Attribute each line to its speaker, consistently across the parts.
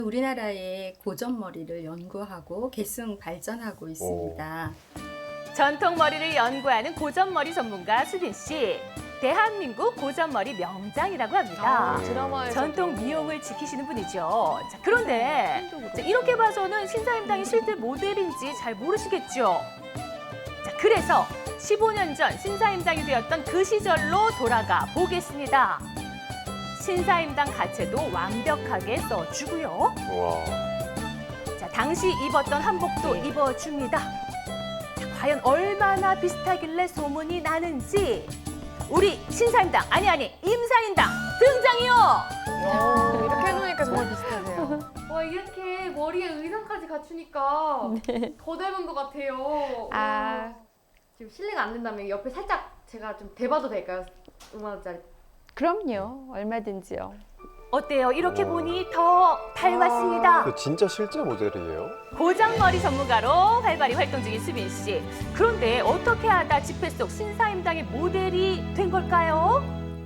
Speaker 1: 우리나라의 고전머리를 연구하고 계승 발전하고 있습니다.
Speaker 2: 전통 머리를 연구하는 고전머리 전문가 수빈 씨. 대한민국 고전머리 명장이라고 합니다.
Speaker 3: 드라마에서
Speaker 2: 전통 미용을 지키시는 분이죠. 자, 그런데 이렇게 봐서는 신사임당이 실제 모델인지 잘 모르시겠죠. 자, 그래서 15년 전 신사임당이 되었던 그 시절로 돌아가 보겠습니다. 신사임당 가채도 완벽하게 써주고요.
Speaker 4: 와.
Speaker 2: 자, 당시 입었던 한복도 입어줍니다. 자, 과연 얼마나 비슷하길래 소문이 나는지 우리 신사임당, 아니 임사임당 등장이요!
Speaker 3: 이렇게 해놓으니까 정말 비슷하세요.
Speaker 5: 와, 이렇게 머리에 의상까지 갖추니까 더 닮은 것 같아요.
Speaker 3: 아.
Speaker 5: 지금 실례가 안 된다면 옆에 살짝 제가 좀 대봐도 될까요? 5만 원짜리.
Speaker 3: 그럼요. 얼마든지요.
Speaker 2: 어때요? 이렇게 보니 더 닮았습니다.
Speaker 4: 그 진짜 실제 모델이에요?
Speaker 2: 고장머리 전문가로 활발히 활동 중인 수빈 씨. 그런데 어떻게 하다 집회 속 신사임당의 모델이 된 걸까요?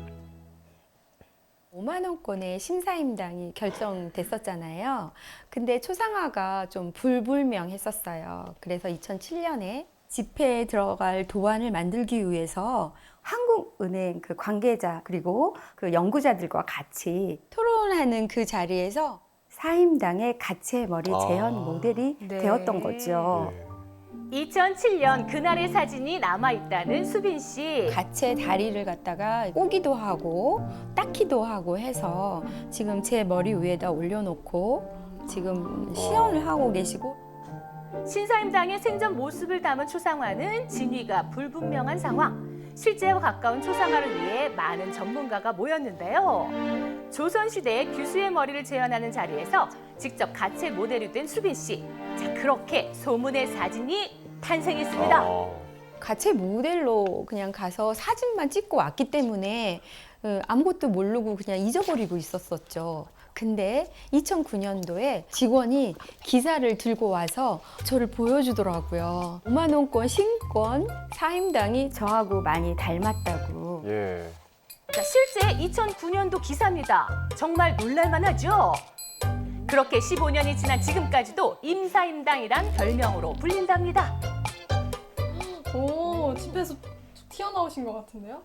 Speaker 6: 5만 원권의 심사임당이 결정됐었잖아요. 근데 초상화가 좀 불분명했었어요. 그래서 2007년에 집회에 들어갈 도안을 만들기 위해서 한국은행 그 관계자 그리고 그 연구자들과 같이 토론하는 그 자리에서 사임당의 가채 머리 재현 모델이 되었던 거죠.
Speaker 4: 네.
Speaker 2: 2007년 그날의 사진이 남아있다는 수빈 씨.
Speaker 6: 가채 다리를 갖다가 꼬기도 하고 닦기도 하고 해서 지금 제 머리 위에다 올려놓고 지금 시연을 하고 계시고,
Speaker 2: 신사임당의 생전 모습을 담은 초상화는 진위가 불분명한 상황. 실제와 가까운 초상화를 위해 많은 전문가가 모였는데요. 조선시대 규수의 머리를 재현하는 자리에서 직접 가채 모델이 된 수빈 씨. 자, 그렇게 소문의 사진이 탄생했습니다.
Speaker 6: 가채 모델로 그냥 가서 사진만 찍고 왔기 때문에 아무것도 모르고 그냥 잊어버리고 있었었죠. 근데 2009년도에 직원이 기사를 들고 와서 저를 보여주더라고요. 5만 원권 신권 사임당이 저하고 많이 닮았다고.
Speaker 4: 예.
Speaker 2: 자, 실제 2009년도 기사입니다. 정말 놀랄만하죠? 그렇게 15년이 지난 지금까지도 임사임당이란 별명으로 불린답니다.
Speaker 7: 오, 집에서 튀어나오신 것 같은데요?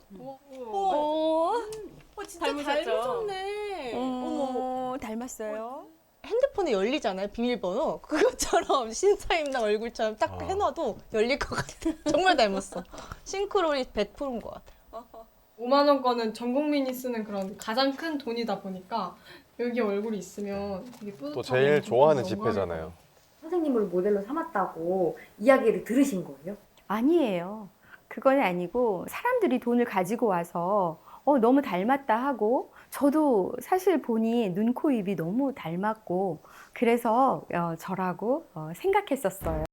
Speaker 3: 진짜
Speaker 7: 닮으셨네.
Speaker 6: 어머, 닮았어요?
Speaker 8: 핸드폰에 열리잖아요, 비밀번호. 그것처럼 신사임당 얼굴처럼 딱 해놔도 열릴 것 같아. 정말 닮았어. 싱크로율이 100%인 것 같아요.
Speaker 7: 5만 원권은 전 국민이 쓰는 그런 가장 큰 돈이다 보니까 여기 얼굴이 있으면 되게 뿌듯하고
Speaker 4: 또 제일 좋아하는
Speaker 7: 영광일
Speaker 4: 집회잖아요.
Speaker 5: 선생님을 모델로 삼았다고 이야기를 들으신 거예요?
Speaker 6: 아니에요. 그건 아니고 사람들이 돈을 가지고 와서 너무 닮았다 하고, 저도 사실 보니 눈, 코, 입이 너무 닮았고 그래서 저라고 생각했었어요.